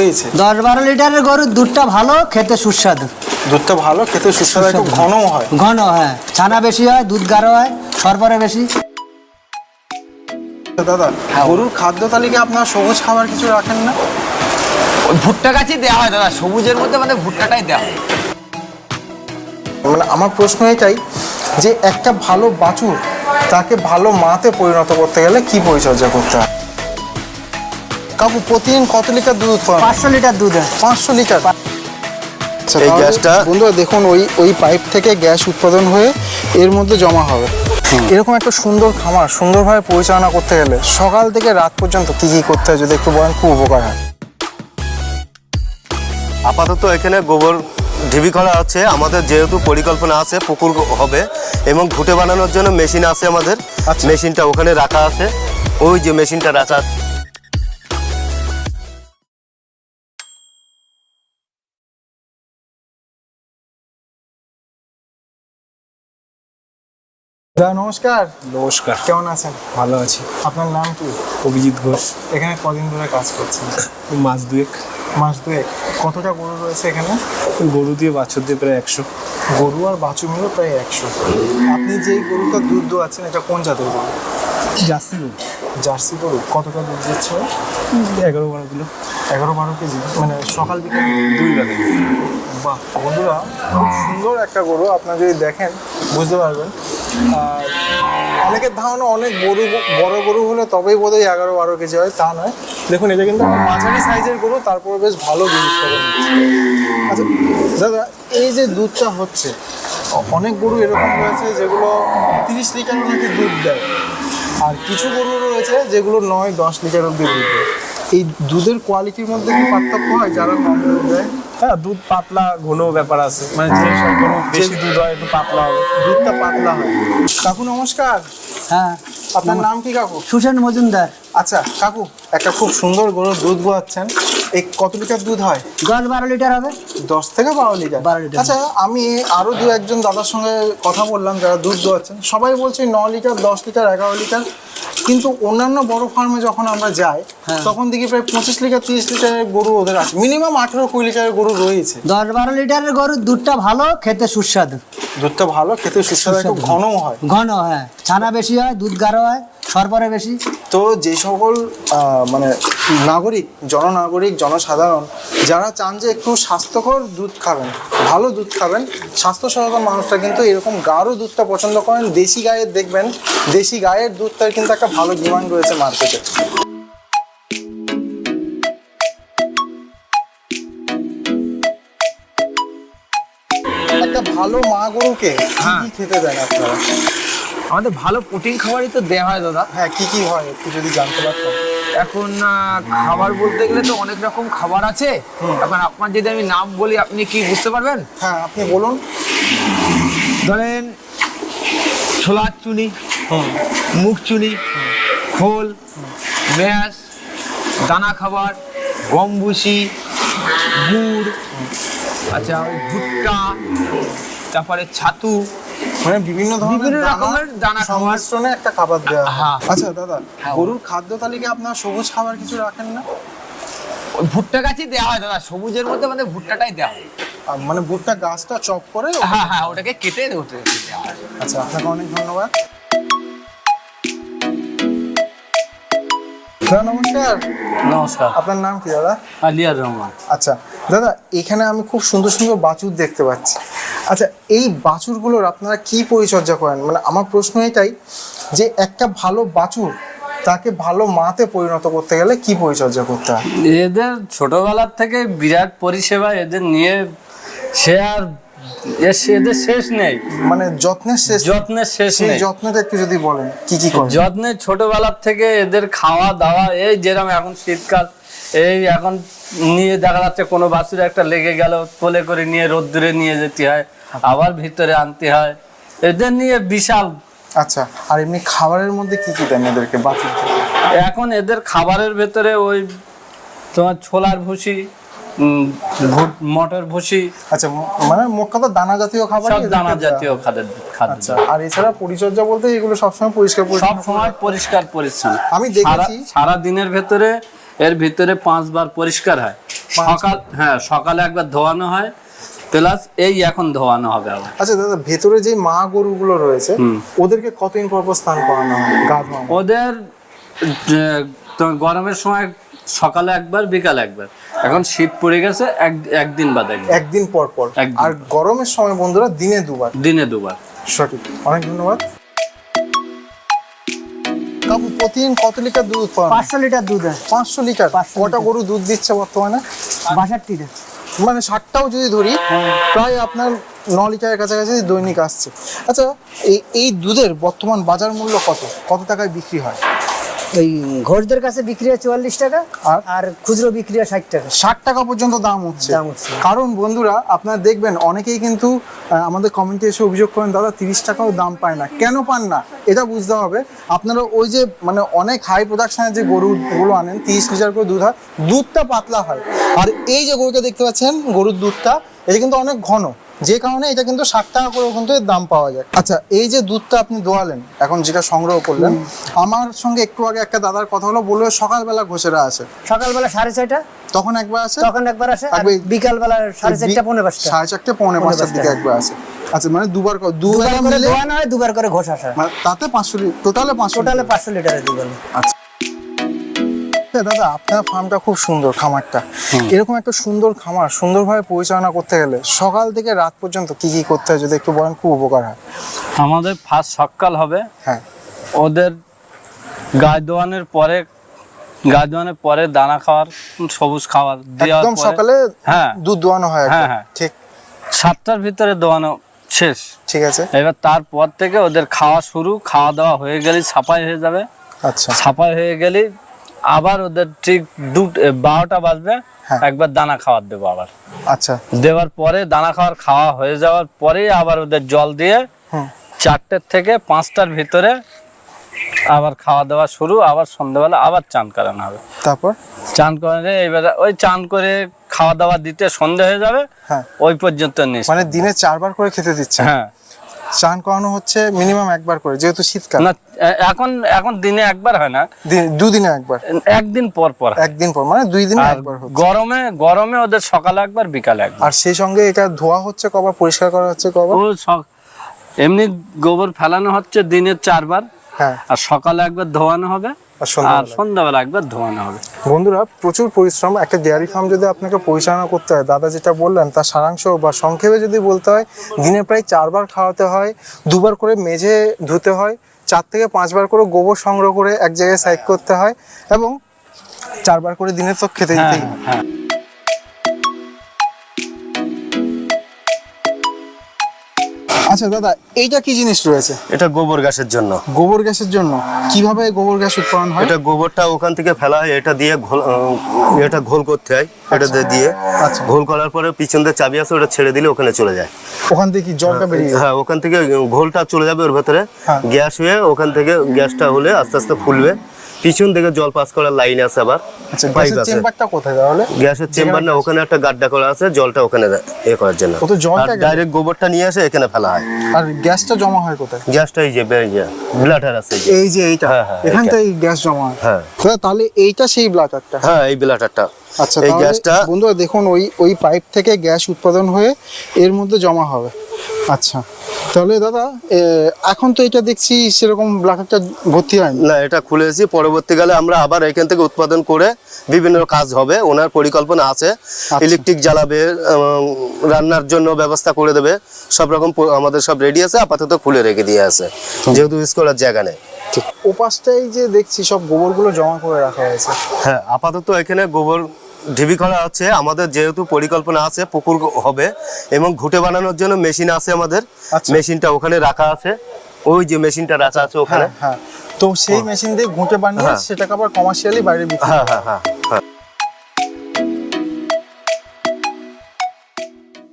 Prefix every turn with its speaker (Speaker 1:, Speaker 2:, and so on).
Speaker 1: রয়েছে?
Speaker 2: 10-12 লিটারের গরুর দুধটা ভালো, খেতে সুস্বাদু।
Speaker 1: দুধটা ভালো, খেতে সুস্বাদু, একটু ঘনও হয়।
Speaker 2: ঘন, হ্যাঁ, ছানা বেশি হয়, দুধ গাঢ় হয়, সরবরাহ বেশি।
Speaker 1: দাদা, গরুর খাদ্য তালিকায় আপনার সবুজ খাবার কিছু রাখেন না?
Speaker 3: ওই ভুট্টা গাছই দেওয়া হয় দাদা, সবুজের মধ্যে মানে ভুট্টাটাই দেওয়া হয়।
Speaker 1: মানে আমার প্রশ্ন এটাই যে একটা ভালো বাছুর তাকে ভালো মাতে পরিণত করতে গেলে কি পরিচর্যা করতে হয়? কাকু, প্রতিদিন কত লিটার দুধ উৎপাদন?
Speaker 2: 500 লিটার দুধ হয়।
Speaker 1: 500 লিটার।
Speaker 4: এই গ্যাসটা
Speaker 1: বন্ধুরা দেখুন, ওই পাইপ থেকে গ্যাস উৎপাদন হয়ে এর মধ্যে জমা হবে। এরকম একটা সুন্দর খামার সুন্দরভাবে পরিচালনা করতে গেলে সকাল থেকে রাত পর্যন্ত কি কি করতে হয় যদি একটু বলেন, খুব উপকার হয়।
Speaker 4: আপাতত এখানে গোবর ঢিবি করা আছে। আমাদের যেহেতু পরিকল্পনা আছে পুকুর হবে এবং ঘুঁটে বানানোর জন্য মেশিন আছে আমাদের।
Speaker 1: আচ্ছা।
Speaker 4: মেশিনটা ওখানে রাখা আছে, ওই যে মেশিনটা রাখা আছে।
Speaker 1: দাদা নমস্কার।
Speaker 5: নমস্কার,
Speaker 1: কেমন আছেন?
Speaker 5: ভালো আছি।
Speaker 1: আপনার নাম কি?
Speaker 5: অভিজিৎ ঘোষ।
Speaker 1: এখানে কদিন ধরে কাজ করছেন?
Speaker 5: মাস দুয়েক।
Speaker 1: মাস দুয়েক। কতটা গরু রয়েছে এখানে?
Speaker 5: গরু দিয়ে বাছুর দিয়ে প্রায় 100।
Speaker 1: গরু আর বাছুর মিলে প্রায় 100। আপনি যেই গরুটা দুধ দোয়াচ্ছেন এটা কোন জাতের গরু?
Speaker 5: জার্সি গরু।
Speaker 1: জার্সি গরু। কতটা দুধ দিচ্ছে?
Speaker 5: 11-12 কিলো।
Speaker 1: 11-12 কেজি, মানে সকাল বিকাল
Speaker 5: 2 বেলা।
Speaker 1: বাহ বন্ধুরা, খুব সুন্দর একটা গরু। আপনারা যদি দেখেন বুঝতে পারবেন। আর অনেকের ধারণা অনেক বড় গরু হলে তবেই বোধহয় 11-12 কেজি হয়, তা নয়। দেখুন, এটা কিন্তু মাঝারি সাইজের গরু, তারপরে বেশ ভালো দুধ উৎপাদন হচ্ছে। আচ্ছা দাদা, এই যে দুধটা হচ্ছে, অনেক গরু এরকম রয়েছে যেগুলো 30 লিটারও নাকি দুধ দেয়, আর কিছু গরু রয়েছে যেগুলো 9-10 লিটার অব্দি দুধ দেয়। এই দুধের কোয়ালিটির মধ্যে কি পার্থক্য হয় যারা কম দুধ দেয়?
Speaker 5: হ্যাঁ, দুধ পাতলা ঘন ব্যাপার আছে, মানে যে সব গরু বেশি দুধ হয় একটু পাতলা হবে।
Speaker 1: দুধটা পাতলা হয়। কাকু নমস্কার।
Speaker 2: হ্যাঁ,
Speaker 1: আপনার নাম কি কাকু?
Speaker 2: সুসেন মজুমদার।
Speaker 1: আচ্ছা কাকু, একটা খুব সুন্দর গরুর দুধ দোয়াচ্ছেন, এই কত লিটার দুধ হয়?
Speaker 2: 10-12 লিটার হবে।
Speaker 1: 10 থেকে 12 লিটার।
Speaker 2: 12 লিটার।
Speaker 1: আচ্ছা, আমি আরো 2-1 দাদার সঙ্গে কথা বললাম যারা দুধ দোয়াচ্ছেন, সবাই বলছে 9 লিটার, 10 লিটার, 11 লিটার। কিন্তু অন্যান্য বড় ফার্মে যখন আমরা যাই তখন দেখি প্রায় 25 লিটার, 30 লিটারের গরু ওদের আছে, মিনিমাম 18-20 লিটারের গরু রয়েছে।
Speaker 2: 10-12 লিটারের গরুর দুধটা ভালো, খেতে সুস্বাদু।
Speaker 1: দুধটা ভালো, খেতে সুস্বাদু, একটু ঘনও হয়।
Speaker 2: ঘন, হ্যাঁ, ছানা বেশি হয়, দুধ গাঢ় হয়, সরবরাহ বেশি।
Speaker 1: তো যে সকল মানে নাগরিক, জনসাধারণ যারা চান যে একটু স্বাস্থ্যকর দুধ খাবেন, ভালো দুধ খাবেন, স্বাস্থ্য সচেতন মানুষরা কিন্তু এরকম গাঢ় দুধটা পছন্দ করেন। দেশি গায়ের দেখবেন, দেশি গায়ের দুধটার কিন্তু একটা ভালো ডিমান্ড রয়েছে মার্কেটে। একটা ভালো মা গরুকে কি কি খেতে দেন আপনারা?
Speaker 3: আমাদের ভালো প্রোটিন খাবারই তো দেওয়া হয় দাদা।
Speaker 1: হ্যাঁ, কি কি হয় একটু যদি জানতে পারতাম।
Speaker 3: এখন খাবার বলতে গেলে তো অনেক রকম খাবার আছে। এখন আপনার যদি আমি নাম বলি আপনি কি বুঝতে পারবেন?
Speaker 1: হ্যাঁ, আপনি বলুন।
Speaker 3: ধরেন ছোলার চুনি, মুগ চুনি, খোল, ম্যাশ, দানা খাবার, গম ভুসি, গুড়, আচ্ছা ওই ভুট্টা, তারপরে ছাতু,
Speaker 1: মানে বিভিন্ন
Speaker 3: রকমের দানা খাবার
Speaker 1: সংমিশ্রণে একটা খাবার দেওয়া হয়।
Speaker 3: হ্যাঁ।
Speaker 1: আচ্ছা দাদা, গরুর খাদ্য তালিকায় আপনার সবুজ খাবার কিছু রাখেন না?
Speaker 3: ওই ভুট্টা গাছই দেওয়া হয় দাদা, সবুজের মধ্যে মানে ভুট্টাটাই দেওয়া হয়।
Speaker 1: মানে ভুট্টা গাছটা চপ করে?
Speaker 3: হ্যাঁ হ্যাঁ, ওটাকে কেটে দেওয়া হয়।
Speaker 1: আচ্ছা, আপনাকে অনেক ধন্যবাদ। দাদা নমস্কার।
Speaker 5: নমস্কার,
Speaker 1: আপনার নাম কি দাদা?
Speaker 5: আলিয়ার রহমান।
Speaker 1: আচ্ছা দাদা, এখানে আমি খুব সুন্দর সুন্দর বাছুর দেখতে পাচ্ছি। আচ্ছা, এই বাছুরগুলোর আপনারা কি পরিচর্যা করেন? মানে আমার প্রশ্ন এটাই যে একটা ভালো বাছুর তাকে ভালো মাতে পরিণত করতে গেলে কি পরিচর্যা করতে হয়?
Speaker 6: এদের ছোটবেলার থেকে বিরাট পরিষেবা এদের নিয়ে, সে আর এদের শেষ নেই,
Speaker 1: মানে যত্নের শেষ
Speaker 6: সেই
Speaker 1: নেই।
Speaker 6: নেই।
Speaker 1: যত্নটা একটু যদি বলেন কি কি করেন?
Speaker 6: যত্নে ছোটবেলার থেকে এদের খাওয়া দাওয়া, এই যেরকম এখন শীতকাল, এই এখন নিয়ে দেখা যাচ্ছে কোনো বাছুর একটা লেগে গেল, কোলে করে নিয়ে রোদ্দুরে নিয়ে যেতে হয়, আবার ভিতরে আনতে হয়, এদের নিয়ে বিশাল।
Speaker 1: আচ্ছা, আর এমনি খাবারের মধ্যে কি কি দেন এদেরকে বাছুরকে?
Speaker 6: এখন এদের খাবারের ভেতরে ওই তোমার ছোলার ভুসি, মটর ভুসি,
Speaker 1: আচ্ছা, মানে মোট কথা দানা জাতীয় খাবার,
Speaker 6: সব দানা জাতীয় খাদ্য।
Speaker 1: আচ্ছা, আর এছাড়া পরিচর্যা বলতে এগুলো সবসময় পরিষ্কার
Speaker 6: সব সময় পরিষ্কার পরিচ্ছন্ন।
Speaker 1: আমি দেখেছি
Speaker 6: সারা দিনের ভেতরে এর ভিতরে 5 বার পরিষ্কার হয়। সকালে একবার ধোয়ানো হয়, প্লাস এই এখন ধোয়ানো হবে আবার।
Speaker 1: আচ্ছা দাদা, ভেতরে যে মা গরুগুলো রয়েছে ওদেরকে কতদিন পর পর স্নান করানো হয়, গা ধোয়ানো?
Speaker 6: ওদের গরমের সময় সকালে একবার, বিকালে একবার। এখন শীত পড়ে গেছে, একদিন বাদ একদিন।
Speaker 1: একদিন পর পর।
Speaker 6: একদিন।
Speaker 1: আর গরমের সময় বন্ধুরা দিনে দুবার।
Speaker 6: দিনে দুবার।
Speaker 1: সঠিক, অনেক ধন্যবাদ। কাকু প্রতিদিন কত লিটার দুধ উৎপাদন?
Speaker 2: 500 লিটার দুধ হয়
Speaker 1: 500 লিটার।
Speaker 2: 500
Speaker 1: কটা
Speaker 2: লিটার।
Speaker 1: গরু দুধ দিচ্ছে বর্তমানে?
Speaker 2: 62টা।
Speaker 1: মানে 60টাও যদি ধরি, প্রায় আপনার 9 লিটারের কাছাকাছি দৈনিক আসছে। আচ্ছা, এই দুধের বর্তমান বাজার মূল্য কত টাকায় বিক্রি হয়?
Speaker 2: এই ঘোষদের কাছে বিক্রি হয় 44 টাকা, আর খুচরো বিক্রি হয় 60 টাকা।
Speaker 1: 60 টাকা পর্যন্ত দাম হচ্ছে। কারণ বন্ধুরা আপনারা দেখবেন অনেকেই কিন্তু আমাদের কমেন্টে এসে অভিযোগ করেন, দাদা 30 টাকাও দাম পায় না। কেন পান না এটা বুঝতে হবে। আপনারা ওই যে মানে অনেক হাই প্রোডাকশনের যে গরুগুলো আনেন, 30 লিটার করে দুধ হয়, দুধটা পাতলা হয়। আর এই যে গরুটা দেখতে পাচ্ছেন, গরুর দুধটা এটা কিন্তু অনেক ঘন, যে কারণে এটা কিন্তু 60 টাকা করে কিন্তু এর দাম পাওয়া যায়। আচ্ছা, এই যে দুধটা আপনি দোয়ালেন, এখন যেটা সংগ্রহ করলেন, আমার সঙ্গে একটু আগে একটা দাদার কথা হলো, বললো সকালবেলা ঘোষেরা আসে,
Speaker 2: সকালবেলা 6:30টা,
Speaker 1: তখন একবার আসে,
Speaker 2: তখন একবার আসে, আর
Speaker 1: একবার-
Speaker 2: বিকালবেলা 4:30টা, 5:45টা।
Speaker 1: 4:30 5:45টার দিকে একবার আসে। আচ্ছা, মানে দুবার
Speaker 2: দুবার করে
Speaker 1: মিলে
Speaker 2: দোয়ানো হয়, দুবার করে ঘোষ আসা।
Speaker 1: মানে তাতে 500 লিটার, টোটালে
Speaker 2: 500 লিটারের দুধ হয়।
Speaker 1: আচ্ছা দাদা, আপনার ফার্মটা খুব সুন্দর, খামারটা এরকম একটা সুন্দর খামার সুন্দরভাবে পরিচালনা করতে গেলে সকাল থেকে রাত পর্যন্ত কি কি করতে হয় যদি একটু বলেন, খুব উপকার হয়।
Speaker 6: আমাদের ফার্স্ট সকাল হবে,
Speaker 1: হ্যাঁ,
Speaker 6: ওদের গায়ে দোয়ানোর পরে দানা খাওয়ার, সবুজ খাবার দেওয়ার
Speaker 1: একদম
Speaker 6: পরে-
Speaker 1: সকালে
Speaker 6: হ্যাঁ
Speaker 1: দুধ দোয়ানো হয় একদম।
Speaker 6: হ্যাঁ।
Speaker 1: ঠিক
Speaker 6: 7টার ভিতরে দোয়ানো শেষ।
Speaker 1: ঠিক আছে।
Speaker 6: এবার তারপর থেকে ওদের খাওয়া শুরু, খাওয়া দাওয়া হয়ে গেলে ছাপাই হয়ে যাবে।
Speaker 1: আচ্ছা,
Speaker 6: ছাপাই হয়ে গেলে আবার ওদের ঠিক 12টা বাজবে,
Speaker 1: হ্যাঁ।
Speaker 6: একবার দানা খাওয়ার দেবো আবার।
Speaker 1: আচ্ছা,
Speaker 6: দেওয়ার পরে দানা খাওয়া হয়ে যাওয়ার পরেই আবার ওদের জল দিয়ে 4টে থেকে 5টার ভিতরে আবার খাওয়া দাওয়া শুরু, আবার সন্ধ্যাবেলা আবার চান করানো হবে।
Speaker 1: তারপর
Speaker 6: চান করে এবারে ওই চান করে খাওয়া দাওয়া দিতে সন্ধ্যা হয়ে যাবে,
Speaker 1: হ্যাঁ,
Speaker 6: ওই পর্যন্ত নিস।
Speaker 1: মানে দিনে 4 বার করে খেতে দিচ্ছে।
Speaker 6: হ্যাঁ,
Speaker 1: চান করানো হচ্ছে মিনিমাম একবার করে, যেহেতু শীতকাল।
Speaker 6: না এখন দিনে একবার হয় না,
Speaker 1: দুদিনে একবার,
Speaker 6: একদিন পর পর হয়।
Speaker 1: একদিন পর, মানে 2 দিনে
Speaker 6: আর
Speaker 1: একবার হচ্ছে।
Speaker 6: গরমে ওদের সকালে একবার, বিকালে একবার।
Speaker 1: আর সেই সঙ্গে এটা ধোয়া হচ্ছে কবার, পরিষ্কার করা হচ্ছে কবার?
Speaker 6: এমনি গোবর ফেলানো হচ্ছে দিনে 4 বার,
Speaker 1: হ্যাঁ,
Speaker 6: আর সকালে একবার ধোয়ানো হবে,
Speaker 1: আর
Speaker 6: আর
Speaker 1: সন্ধ্যাবেলা।
Speaker 6: সন্ধ্যাবেলা একবার ধোয়ানো হবে।
Speaker 1: বন্ধুরা, প্রচুর পরিশ্রম। একটা ডেয়ারি ফার্ম যদি আপনাকে পরিচালনা করতে হয়, দাদা যেটা বললেন তার সারাংশ বা সংক্ষেপে যদি বলতে হয়, দিনে প্রায় 4 বার খাওয়াতে হয়, 2 বার করে মেঝে ধুতে হয়, 4 থেকে 5 বার করে গোবর সংগ্রহ করে এক জায়গায় সাইড করতে হয়, এবং 4 বার করে দিনে তো খেতে দিতেই হয়।
Speaker 6: হ্যাঁ,
Speaker 1: আচ্ছা দাদা, এইটা কি জিনিস রয়েছে?
Speaker 4: এটা গোবর গ্যাসের জন্য।
Speaker 1: গোবর গ্যাসের জন্য। কিভাবে গোবর গ্যাস উৎপাদন হয়?
Speaker 4: এটা গোবরটা ওখান থেকে ফেলা হয়, এটা দিয়ে এটা ঘোল করতে হয়, এটা দিয়ে
Speaker 1: আচ্ছা।
Speaker 4: ঘোল করার পরে পিছন দিয়ে চাবি আছে, ওটা ছেড়ে দিলে ওখানে চলে যায়।
Speaker 1: ওখান থেকে কি জলটা বেরিয়ে যায়?
Speaker 4: হ্যাঁ, ওখান থেকে ঘোলটা চলে যাবে ওর ভেতরে,
Speaker 1: হ্যাঁ।
Speaker 4: গ্যাস হয়ে ওখান থেকে গ্যাসটা হলে আস্তে আস্তে ফুলবে। পিছন থেকে জল পাস করার লাইন আছে, আবার
Speaker 1: আচ্ছা,
Speaker 4: পাইপ
Speaker 1: গ্যাসের
Speaker 4: আছে।
Speaker 1: চেম্বারটা কোথায় তাহলে?
Speaker 4: গ্যাসের চেম্বার না, ওখানে একটা গাড্ডা করা আছে, জলটা ওখানে করার জন্য।
Speaker 1: ও তো জলটা গেল।
Speaker 4: ডাইরেক্ট গোবরটা নিয়ে আসে এখানে ফেলা হয়।
Speaker 1: আর গ্যাসটা জমা হয় কোথায়?
Speaker 4: গ্যাসটা এই যে ব্লাটার আছে,
Speaker 1: এই যে এইটা,
Speaker 4: হ্যাঁ, হ্যাঁ,
Speaker 1: এখান
Speaker 4: এইটা।
Speaker 1: থেকে গ্যাস জমা হয়।
Speaker 4: হ্যাঁ।
Speaker 1: তাহলে এইটা সেই ব্লাটারটা।
Speaker 4: হ্যাঁ, এই ব্লাটারটা।
Speaker 1: আচ্ছা,
Speaker 4: এই
Speaker 1: তাহলে
Speaker 4: গ্যাসটা
Speaker 1: বন্ধুরা দেখুন, ওই পাইপ থেকে গ্যাস উৎপাদন হয়ে এর মধ্যে জমা হবে। আচ্ছা, তাহলে দাদা এখন তো এটা দেখছি সেরকম ব্লাটারটা ভর্তি হয়নি।
Speaker 4: না, এটা খুলেছি, পরবর্তীকালে আমরা আবার এখান থেকে উৎপাদন করে বিভিন্ন কাজ হবে, ওনার পরিকল্পনা আছে। ইলেকট্রিক জ্বালাবে, রান্নার জন্য ব্যবস্থা করে দেবে, সব রকম আমাদের সব রেডি আছে, আপাতত খুলে রেখে দিয়ে আছে, যেহেতু ইউজ করার জায়গা নেই।
Speaker 1: ওপাশটাই যে দেখছি সব গোবরগুলো জমা করে রাখা হয়েছে।
Speaker 4: হ্যাঁ, আপাতত এখানে গোবর ঢিবি করা হচ্ছে, আমাদের যেহেতু পরিকল্পনা আছে পুকুর হবে, এবং ঘুটে বানানোর জন্য মেশিন আছে আমাদের।
Speaker 1: আচ্ছা।
Speaker 4: মেশিনটা ওখানে রাখা আছে, ওই যে মেশিনটা রাখা আছে ওখানে।
Speaker 1: হ্যাঁ, তো সেই মেশিন দিয়ে ঘুঁটে বানিয়ে
Speaker 4: হ্যাঁ।
Speaker 1: সেটাকে আবার কমার্শিয়ালি বাইরে বিক্রি
Speaker 4: হ্যাঁ, হ্যাঁ, হ্যাঁ।